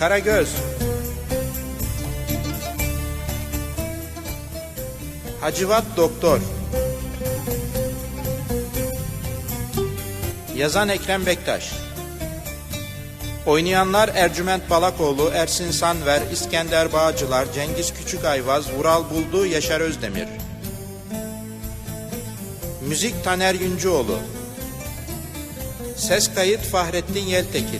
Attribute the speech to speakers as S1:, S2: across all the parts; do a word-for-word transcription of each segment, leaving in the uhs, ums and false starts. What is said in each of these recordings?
S1: Karagöz. Hacivat Doktor. Yazan Ekrem Bektaş. Oynayanlar Ercüment Balakoğlu, Ersin Sanver, İskender Bağcılar, Cengiz Küçükayvaz, Vural Buldu, Yaşar Özdemir. Müzik Taner Yüncüoğlu. Ses kayıt Fahrettin Yeltekin.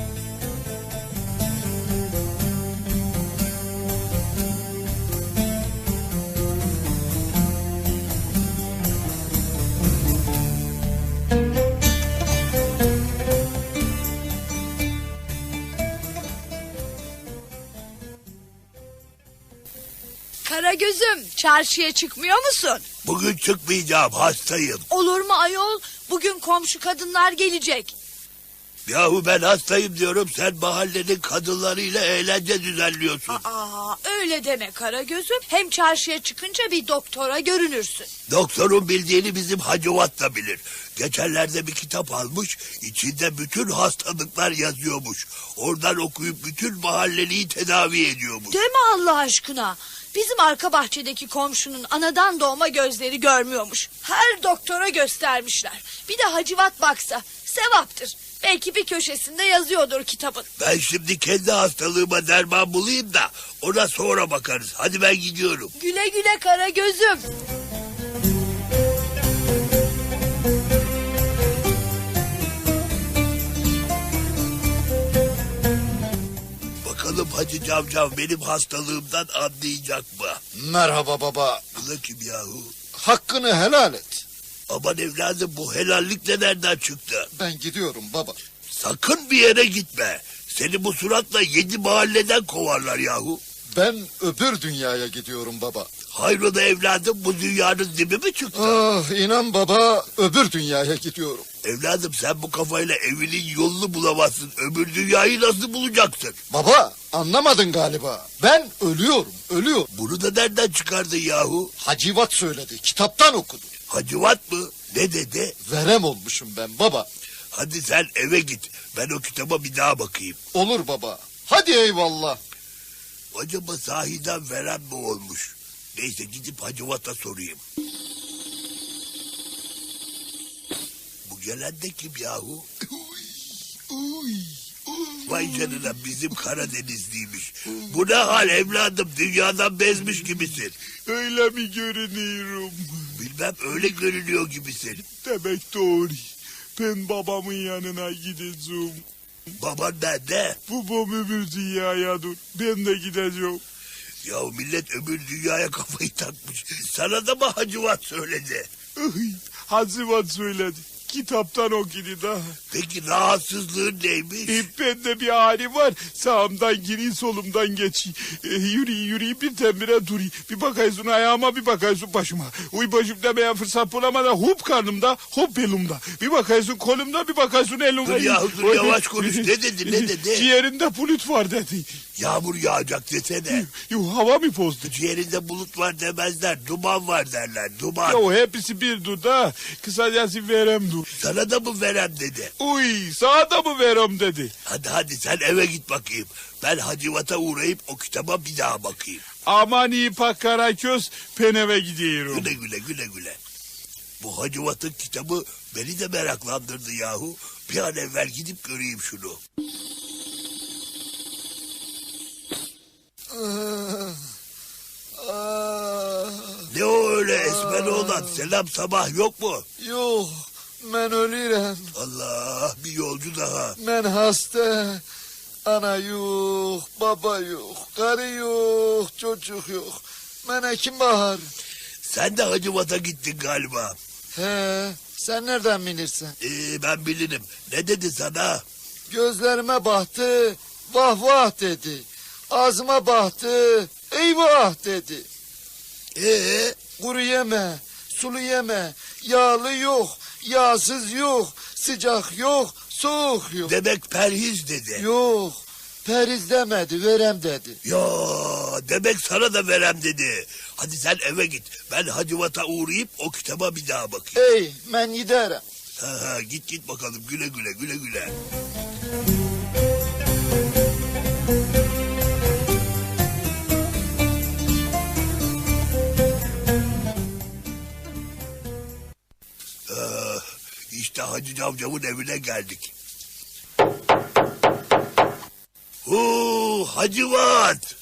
S2: Karagöz'üm, çarşıya çıkmıyor musun?
S3: Bugün çıkmayacağım, hastayım.
S2: Olur mu ayol? Bugün komşu kadınlar gelecek.
S3: Yahu ben hastayım diyorum, sen mahallenin kadınlarıyla eğlence düzenliyorsun.
S2: Aa, öyle deme Karagöz'üm. Hem çarşıya çıkınca bir doktora görünürsün.
S3: Doktorun bildiğini bizim Hacivat da bilir. Geçenlerde bir kitap almış, içinde bütün hastalıklar yazıyormuş. Oradan okuyup bütün mahalleliyi tedavi ediyormuş.
S2: Deme Allah aşkına. Bizim arka bahçedeki komşunun anadan doğma gözleri görmüyormuş. Her doktora göstermişler. Bir de Hacivat baksa sevaptır. Belki bir köşesinde yazıyordur kitabın.
S3: Ben şimdi kendi hastalığıma derman bulayım da ona sonra bakarız. Hadi ben gidiyorum.
S2: Güle güle Karagöz'üm.
S3: Bakalım Hacı Cavcav benim hastalığımdan anlayacak mı?
S4: Merhaba baba.
S3: Bu da kim yahu?
S4: Hakkını helal et.
S3: Aman evladım, bu helallik de nereden çıktı?
S4: Ben gidiyorum baba.
S3: Sakın bir yere gitme. Seni bu suratla yedi mahalleden kovarlar yahu.
S4: Ben öbür dünyaya gidiyorum baba.
S3: Hayrola evladım, bu dünyanın dibi mi çıktı?
S4: Ah inan baba, öbür dünyaya gidiyorum.
S3: Evladım sen bu kafayla evinin yolunu bulamazsın. Öbür dünyayı nasıl bulacaksın?
S4: Baba anlamadın galiba. Ben ölüyorum, ölüyorum.
S3: Bunu da nereden çıkardın yahu?
S4: Hacivat söyledi, kitaptan okudu.
S3: Hacivat mı? Ne dedi?
S4: Verem olmuşum ben baba.
S3: Hadi sen eve git. Ben o kitaba bir daha bakayım.
S4: Olur baba. Hadi eyvallah.
S3: Acaba sahiden veren mi olmuş? Neyse gidip Hacivat'a sorayım. Bu gelen de kim yahu? Vay canına, bizim Karadenizliymiş. Bu ne hal evladım, dünyadan bezmiş gibisin.
S5: Öyle mi görünüyorum?
S3: Bilmem, öyle görünüyor gibisin.
S5: Demek doğru. Ben babamın yanına gideceğim.
S3: Baban nerede?
S5: Babam öbür dünyaya dur. Ben de gideceğim.
S3: Ya millet öbür dünyaya kafayı takmış. Sana da mı Hacivat söyledi?
S5: Ay, Hacivat söyledi. Kitaptan okudu da.
S3: Peki rahatsızlığın neymiş?
S5: E, bende bir hali var. Sağımdan gireyim, solumdan geçeyim. E, yürüyeyim yürüyeyim, bir tembire durayım. Bir bakıyorsun ayağıma, bir bakıyorsun başıma. Uy başım demeye fırsat bulamadan hop karnımda, hop elimde. Bir bakıyorsun kolumda, bir bakıyorsun elimde.
S3: Dur yahu dur, yavaş konuş. Ne dedi ne dedi?
S5: Ciğerinde bulut var dedi.
S3: Yağmur yağacak desene.
S5: Yo, hava mı bozdu?
S3: Ciğerinde bulut var demezler. Duman var derler. Duman.
S5: Yo, hepsi bir duda. Kısacası verem dur.
S3: Sana da mı verem dedi?
S5: Uy sana da mı verem dedi.
S3: Hadi hadi sen eve git bakayım. Ben Hacivat'a uğrayıp o kitaba bir daha bakayım.
S5: Aman iyi pak Karaköz, ben eve gidiyorum.
S3: Güle güle güle güle. Bu Hacivat'ın kitabı beni de meraklandırdı yahu. Bir an evvel gidip göreyim şunu.
S4: Ah, ah,
S3: Ne o öyle esmer olan? Selam sabah yok mu?
S4: yok, ben ölürüm.
S3: Allah, bir yolcu daha.
S4: Ben hasta. Ana yok, baba yok, karı yok, çocuk yok. Bana kim bakar?
S3: Sen de Hacivat'a gittin galiba.
S4: He, sen nereden bilirsin?
S3: Ee, ben bilirim. Ne dedi sana?
S4: Gözlerime baktı, vah vah dedi. Ağzıma baktı, eyvah dedi.
S3: Ee,
S4: Kuru yeme, sulu yeme, yağlı yok, yağsız yok, sıcak yok, soğuk yok.
S3: demek perhiz dedi.
S4: Yok, periz demedi, verem dedi.
S3: Ya demek sana da verem dedi. Hadi sen eve git. Ben Hacivat'a uğrayıp o kitaba bir daha bakayım.
S4: Ey, ben giderim.
S3: Ha, ha, git git bakalım, güle güle güle güle. Hacı Cavcav'ın evine geldik. Oo, Hacivat!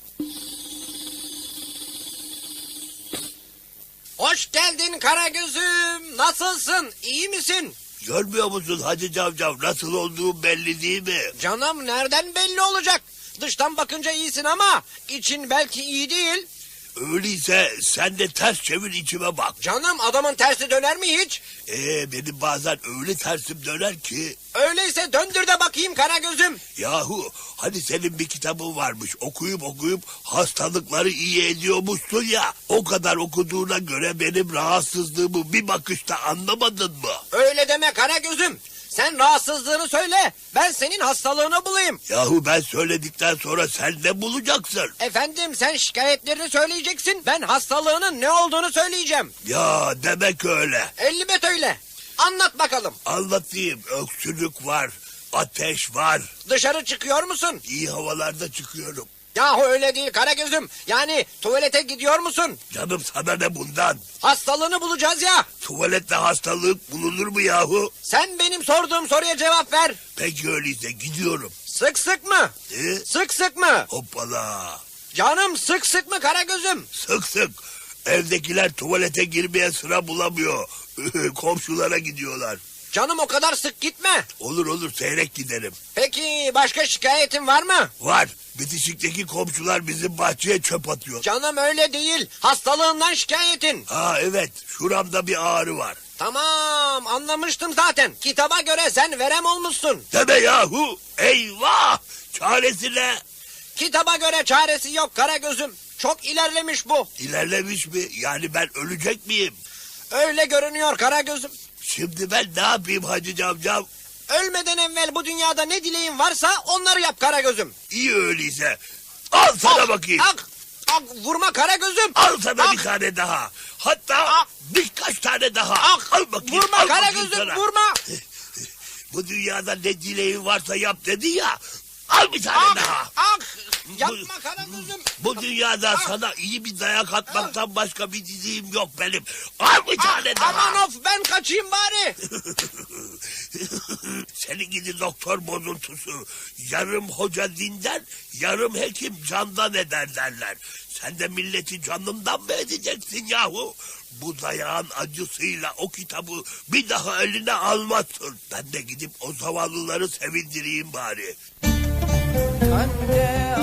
S6: Hoş geldin Karagöz'üm. Nasılsın? İyi misin?
S3: Görmüyor musun Hacı Cavcav nasıl olduğu belli değil mi?
S6: Canım nereden belli olacak? Dıştan bakınca iyisin ama için belki iyi değil.
S3: Öyleyse sen de ters çevir içime bak.
S6: Canım adamın tersi döner mi hiç?
S3: Ee, benim bazen öyle tersim döner ki.
S6: Öyleyse döndür de bakayım Karagöz'üm.
S3: Yahu hani senin bir kitabın varmış, okuyup okuyup hastalıkları iyi ediyormuşsun ya. O kadar okuduğuna göre benim rahatsızlığımı bir bakışta anlamadın mı?
S6: Öyle deme Karagöz'üm. Sen rahatsızlığını söyle. Ben senin hastalığını bulayım.
S3: Yahu ben söyledikten sonra sen ne bulacaksın?
S6: Efendim sen şikayetlerini söyleyeceksin. Ben hastalığının ne olduğunu söyleyeceğim.
S3: Ya demek öyle.
S6: Elbet öyle. Anlat bakalım.
S3: Anlatayım, öksürük var, ateş var.
S6: Dışarı çıkıyor musun?
S3: İyi havalarda çıkıyorum.
S6: Yahu öyle değil Karagöz'üm. Yani tuvalete gidiyor musun?
S3: Canım sana ne bundan?
S6: Hastalığını bulacağız ya.
S3: Tuvalette hastalık bulunur mu yahu?
S6: Sen benim sorduğum soruya cevap ver.
S3: Peki öyleyse gidiyorum.
S6: Sık sık mı?
S3: E?
S6: Sık sık mı?
S3: Hoppala.
S6: Canım sık sık mı Karagöz'üm?
S3: Sık sık. Evdekiler tuvalete girmeye sıra bulamıyor. Komşulara gidiyorlar.
S6: Canım o kadar sık gitme.
S3: Olur olur seyrek giderim.
S6: Peki başka şikayetin var mı?
S3: Var. Bitişikteki komşular bizim bahçeye çöp atıyor.
S6: Canım öyle değil. Hastalığından şikayetin.
S3: Ha evet. Şuramda bir ağrı var.
S6: Tamam anlamıştım zaten. Kitaba göre sen verem olmuşsun.
S3: Deme yahu. Eyvah. Çaresi ne?
S6: Kitaba göre çaresi yok Karagöz'üm. Çok ilerlemiş bu.
S3: İlerlemiş mi? Yani ben ölecek miyim?
S6: Öyle görünüyor Karagöz'üm.
S3: Şimdi ben ne yapayım Hacı Cavcav?
S6: Ölmeden evvel bu dünyada ne dileğin varsa onları yap Karagöz'üm.
S3: İyi öyleyse. Al sana bakayım.
S6: Ak, ak, vurma Karagöz'üm.
S3: Al sana
S6: Ak,
S3: bir tane daha. Hatta
S6: Ak.
S3: birkaç tane daha.
S6: ak,
S3: Al bakayım.
S6: vurma
S3: al bakayım
S6: Karagöz'üm
S3: sana.
S6: vurma.
S3: Bu dünyada ne dileğin varsa yap dedi ya. Al bir tane
S6: Ak,
S3: daha.
S6: ak, yapma Karagöz'üm.
S3: Bu dünyada
S6: Ak.
S3: sana iyi bir dayak atmaktan başka bir dileğim yok benim. Al bir tane
S6: Ah,
S3: daha.
S6: aman of ben kaçayım bari.
S3: Senin gidi doktor bozuntusu. Yarım hoca dinden, yarım hekim candan eder derler. Sen de milleti canından mı edeceksin yahu? Bu dayağın acısıyla o kitabı bir daha eline almazsın. Ben de gidip o zavallıları sevindireyim bari.
S6: Kande